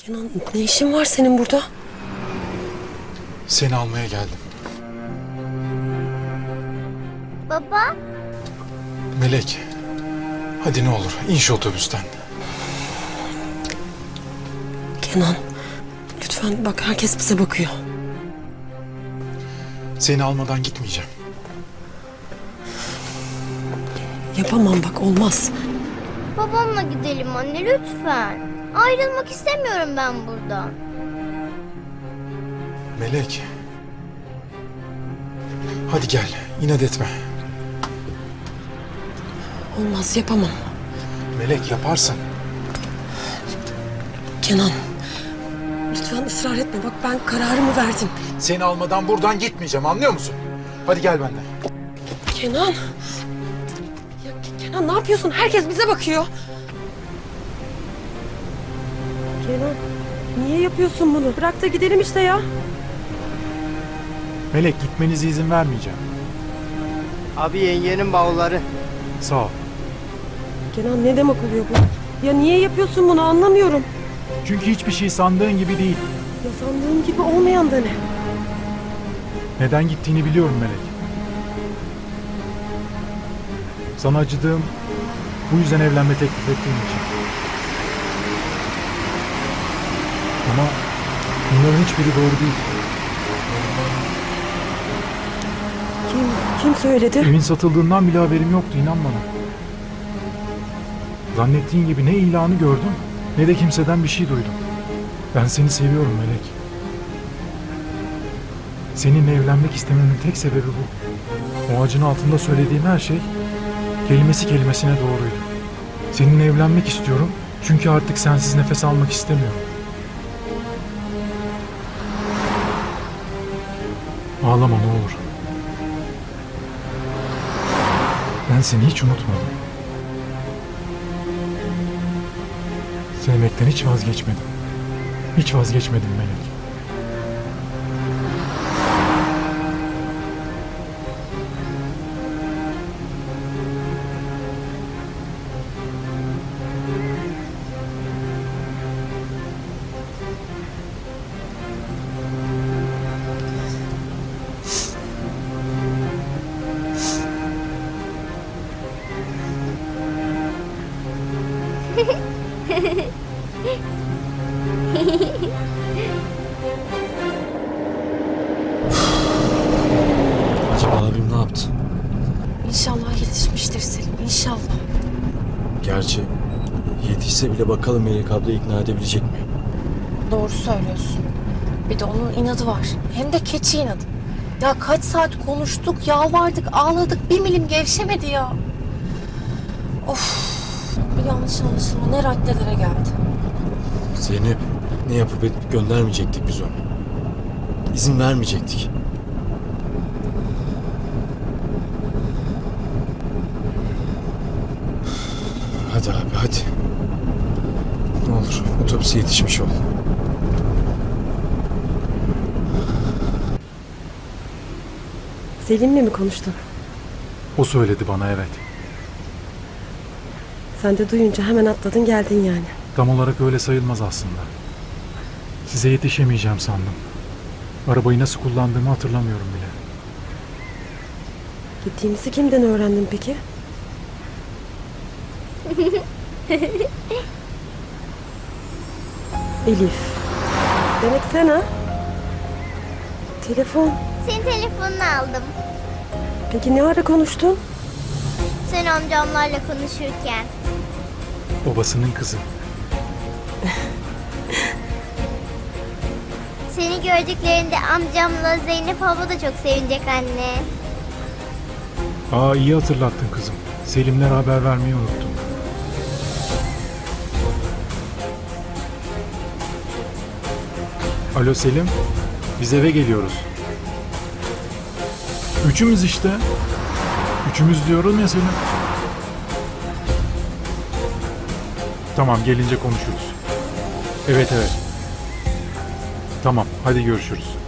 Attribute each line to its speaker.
Speaker 1: Kenan, ne işin var senin burada?
Speaker 2: Seni almaya geldim.
Speaker 3: Baba,
Speaker 2: Melek, hadi ne olur in şu otobüsten.
Speaker 1: Kenan, lütfen bak, herkes bize bakıyor.
Speaker 2: Seni almadan gitmeyeceğim.
Speaker 1: Yapamam bak, olmaz.
Speaker 3: babamla gidelim anne lütfen. Ayrılmak istemiyorum ben buradan.
Speaker 2: Melek. Hadi gel, inat etme.
Speaker 1: Olmaz, yapamam.
Speaker 2: Melek yaparsın.
Speaker 1: Kenan, lütfen ısrar etme. Bak, ben kararımı verdim.
Speaker 2: Seni almadan buradan gitmeyeceğim, anlıyor musun? Hadi gel benden.
Speaker 1: Kenan. Ya Kenan, ne yapıyorsun? Herkes bize bakıyor. Kenan, niye yapıyorsun bunu? Bırak da gidelim işte ya.
Speaker 4: Melek, gitmenize izin vermeyeceğim.
Speaker 5: Abi yengenin bavulları.
Speaker 4: Sağ ol.
Speaker 1: Kenan, ne demek oluyor bu? Ya niye yapıyorsun bunu, anlamıyorum.
Speaker 4: Çünkü hiçbir şey sandığın gibi değil.
Speaker 1: Ya sandığım gibi olmayan da ne?
Speaker 4: Neden gittiğini biliyorum Melek. Sana acıdığım, bu yüzden evlenme teklif ettiğim için. Ama bunların hiçbiri doğru değil.
Speaker 1: Kim söyledi?
Speaker 4: Evin satıldığından bile haberim yoktu, inan bana. Zannettiğin gibi ne ilanı gördüm, ne de kimseden bir şey duydum. Ben seni seviyorum Melek. Seninle evlenmek istememin tek sebebi bu. O ağacın altında söylediğim her şey kelimesi kelimesine doğruydu. Seninle evlenmek istiyorum çünkü artık sensiz nefes almak istemiyorum. Ağlama ne olur. Ben seni hiç unutmadım. Sevmekten hiç vazgeçmedim. Hiç vazgeçmedim Melek.
Speaker 6: Acaba abim ne yaptı?
Speaker 1: İnşallah yetişmiştir Selim, inşallah.
Speaker 6: Gerçi yetişse bile bakalım Melek abla ikna edebilecek mi?
Speaker 7: Doğru söylüyorsun. Bir de onun inadı var. Hem de keçi inadı. Ya kaç saat konuştuk, yalvardık, ağladık. Bir milim gevşemedi ya. Of. Bir yanlış anlaşılma ne raddelere geldi.
Speaker 6: Zeynep, ne yapıp edip göndermeyecektik biz onu. İzin vermeyecektik. Hadi abi hadi. Ne olur otobüse yetişmiş ol.
Speaker 1: Selim'le mi konuştun?
Speaker 4: O söyledi bana, evet.
Speaker 1: Sen de duyunca hemen atladın geldin yani.
Speaker 4: Tam olarak öyle sayılmaz aslında. Size yetişemeyeceğim sandım. Arabayı nasıl kullandığımı hatırlamıyorum bile.
Speaker 1: Gittiğimizi kimden öğrendin peki? Elif. Demek sen ha? Telefon.
Speaker 3: Senin telefonunu aldım.
Speaker 1: Peki ne ara konuştun?
Speaker 3: Sen amcamlarla konuşurken.
Speaker 4: Babasının kızı.
Speaker 3: Seni gördüklerinde amcamla Zeynep abla da çok sevinecek anne.
Speaker 4: Aa, iyi hatırlattın kızım. Selimler haber vermeyi unuttum. Alo Selim, biz eve geliyoruz. Üçümüz işte. Üçümüz diyorum ya Selim. Tamam, gelince konuşuruz. Evet. Tamam, hadi görüşürüz.